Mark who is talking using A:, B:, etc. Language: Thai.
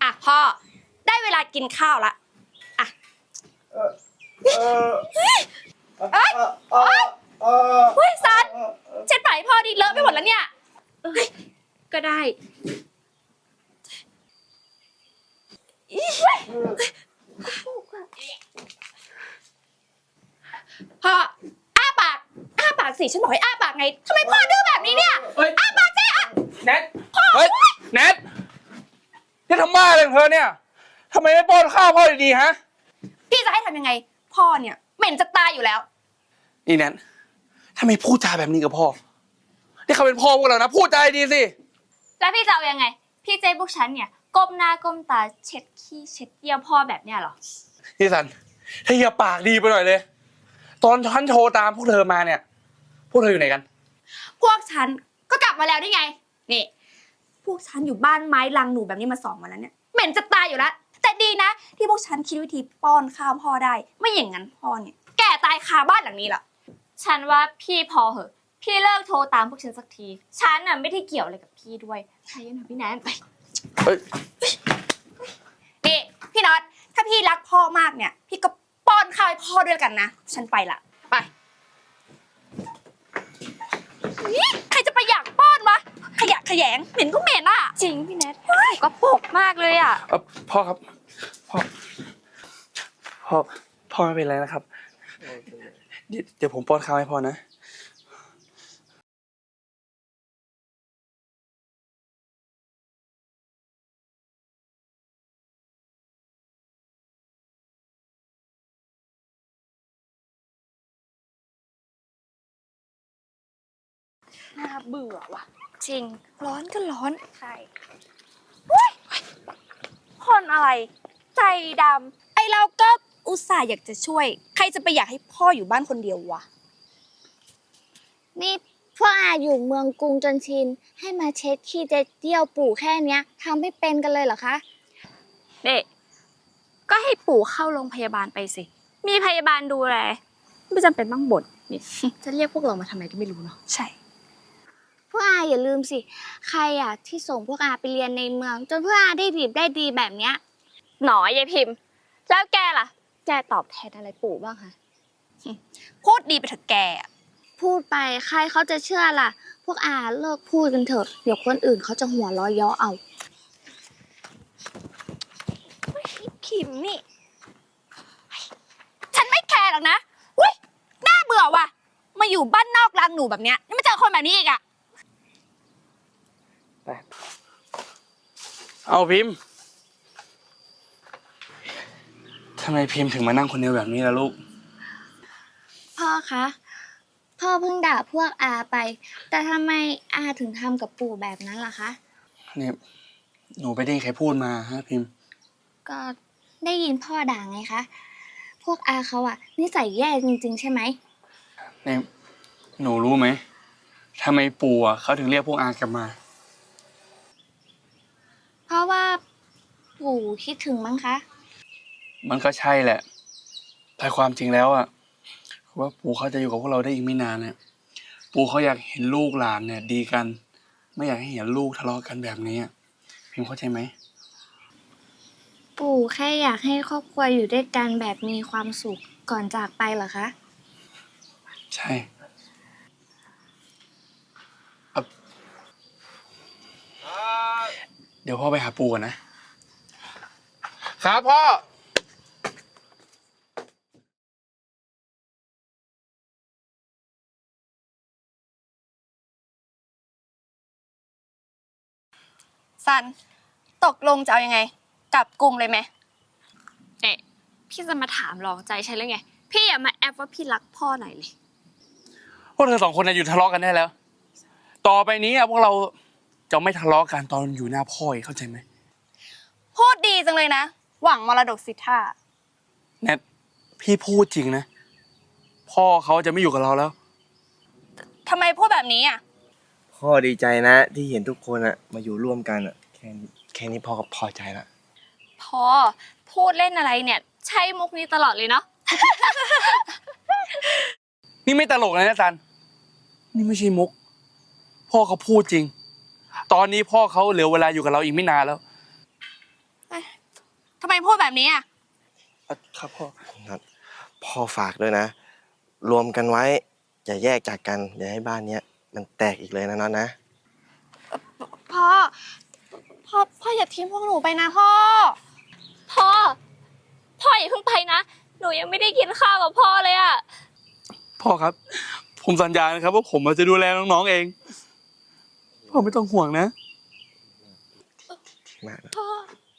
A: อ่ะพ่อได้เวลากินข้าวละอ่ะเฮ้ยซันเช็ดปากให้พ่อดิเลอะไปหมดแล้วเนี่ยก็ได้พ่ออ้าปากสิฉันบอกให้อ้าปากไงทำไมพ่อดื้อแบบนี้เนี่ยอ้าปากสิอ่ะ
B: เน็ตเฮ้ยเน็ตนี่ทำบ้าอะไรของเธอเนี่ยทำไมไม่ป้อนข้าวพ่อดีๆฮะ
A: พี่จะให้ทำยังไงพ่อเนี่ยเหม็นจะตายอยู่แล้ว
B: นี่แน็ตทำไมพูดจาแบบนี้กับพ่อนี่เขาเป็นพ่อพวกเรานะพูดจาดีสิ
C: แล้วพี่จะเอายังไงพี่เจ๊พวกฉันเนี่ยก้มหน้าก้มตาเช็ดขี้เช็ดเยี่ยวพ่อแบบเนี้ยหรอ
B: พี่สันถ้าอย่าปากดีไปหน่อยเลยตอนฉันโทรตามพวกเธอมาเนี่ยพวกเธออยู่ไหนกัน
A: พวกฉันก็กลับมาแล้วนี่ไงนี่พวกฉันอยู่บ้านไม้ลังหนูแบบนี้มา2 วันแล้วเนี่ยเหม็นจะตายอยู่แล้วแต่ดีนะที่พวกฉันคิดวิธีป้อนข้าวพ่อได้ไม่อย่างนั้นพ่อเนี่ยแก่ตายคาบ้านหลังนี้ละ
C: ฉันว่าพี่พอเหอะพี่เลิกโทรตามพวกฉันสักทีฉันน่ะไม่ได้เกี่ยวอะไรกับพี่ด้วยใช่นะพี่แนนไป
A: นี่พี่น็อตถ้าพี่รักพ่อมากเนี่ยพี่ก็ป้อนข้าวให้พ่อด้วยกันนะฉันไปละไปใครจะไปอยากป้อนวะขยะแขยงเหม็นก็เหม็นอ่ะ
C: จริงพี่แนทก็ปกมากเลยอ่ะ
B: พ่อครับพ่อไม่เป็นไรนะครับเดี๋ยวผมป้อนข้าวให้พ่อนะ
A: น่าเบื่อว่ะ
C: จริง
A: ร้อนก็ร้อน
C: ใช่
A: คนอะไรใจดำไอเราก็อุตส่าห์อยากจะช่วยใครจะไปอยากให้พ่ออยู่บ้านคนเดียววะ
D: นี่พวกอาอยู่เมืองกรุงจนชินให้มาเช็ดขี้เยี่ยวปู่แค่เนี้ยทำไม่เป็นกันเลยเหรอคะ
C: เด็กก็ให้ปู่เข้าโรงพยาบาลไปสิมีพยาบาลดูแลไม่จำเป็นต้องบ่นนี่จะเรียกพวกเรามาทำไมก็ไม่รู้เนาะ
A: ใช่
D: พวกอาอย่าลืมสิใครอ่ะที่ส่งพวกอาไปเรียนในเมืองจนพวกอาได้ดีแบบเนี้ย
C: หนอยายพิมพ์แล้วแกล่ะแกตอบแทนอะไรปู่บ้างคะ
A: พูดดีไปเถอะแก
D: พูดไปใครเขาจะเชื่อล่ะพวกอาเลิกพูดกันเถอะเดี๋ยวคนอื่นเขาจะหัวเราะเยาะเอา
A: คิมนี่ฉันไม่แคร์หรอกนะอุ้ยน่าเบื่อว่ะมาอยู่บ้านนอกรังหนูแบบเนี้ยนี่ไม่เจอคนแบบนี้อีกอะ
B: เอาพิมพ์ทำไมพิมพ์ถึงมานั่งคนเดียวแบบนี้ล่ะลูก
D: พ่อคะพ่อเพิ่งด่าพวกอาไปแต่ทำไมอาถึงทำกับปู่แบบนั้นล่ะคะ
B: เนี่ยหนูไปได้ยินใครพูดมาฮะพิมพ์
D: ก็ได้ยินพ่อด่าไงคะพวกอาเขาอะนิสัยแย่จริงๆใช่ไหม
B: เนี่ยหนูรู้ไหมทำไมปู่เขาถึงเรียกพวกอากลับมา
D: เพราะว่าปู่คิดถึงมั้งคะ
B: มันก็ใช่แหละแต่ความจริงแล้วว่าปู่เขาจะอยู่กับพวกเราได้อีกไม่นานเนี่ยปู่เขาอยากเห็นลูกหลานเนี่ยดีกันไม่อยากให้เห็นลูกทะเลาะกันแบบนี้พิมพ์เข้าใจไหม
D: ปู่แค่อยากให้ครอบครัวอยู่ด้วยกันแบบมีความสุขก่อนจากไปเหรอคะ
B: ใช่เดี๋ยวพ่อไปหาปู่ก่อนนะครับพ่อ
A: ซันตกลงจะเอายังไงกลับกรุงเลยไหม
C: เอ๊ะพี่จะมาถามลองใจฉันเลยไงพี่อย่ามาแอบว่าพี่รักพ่อหน่อยเลย
B: พวกเธอ2 คนหยุดทะเลาะกันได้แล้วต่อไปนี้พวกเราจะไม่ทะเลาะกันตอนอยู่หน้าพ่อเข้าใจไหม
A: พูดดีจังเลยนะหวังมรดกสิทธา
B: แนทพี่พูดจริงนะพ่อเขาจะไม่อยู่กับเราแล้ว
A: ทำไมพูดแบบนี้อ่ะ
E: พ่อดีใจนะที่เห็นทุกคนมาอยู่ร่วมกันแค่นี้พ่อก็พอใจละ
C: พ่อพูดเล่นอะไรเนี่ยใช้มุกนี้ตลอดเลยเนาะ
B: นี่ไม่ตลกเลยนะซันนี่ไม่ใช่มุกพ่อเขาพูดจริงตอนนี้พ่อเขาเหลือเวลาอยู่กับเราอีกไม่นานแล้ว
A: ทำไมพูดแบบนี้อ่ะ
B: ครับพ่อ
E: นัดพ่อฝากด้วยนะ รวมกันไว้อย่าแยกจากกันอย่าให้บ้านเนี้ยมันแตกอีกเลยนะน็อตนะ
A: พ่อ พ่ออย่าทิ้งพวกหนูไปนะพ่อ
C: พ่อ พ่ออย่าเพิ่งไปนะ หนูยังไม่ได้กินข้าวกับพ่อเลยอะ
B: พ่อครับ ผมสัญญานะครับว่าผมจะดูแลน้องๆเอง พ่อไม่ต้องห่วงนะ
E: มากนะ
C: พ่อ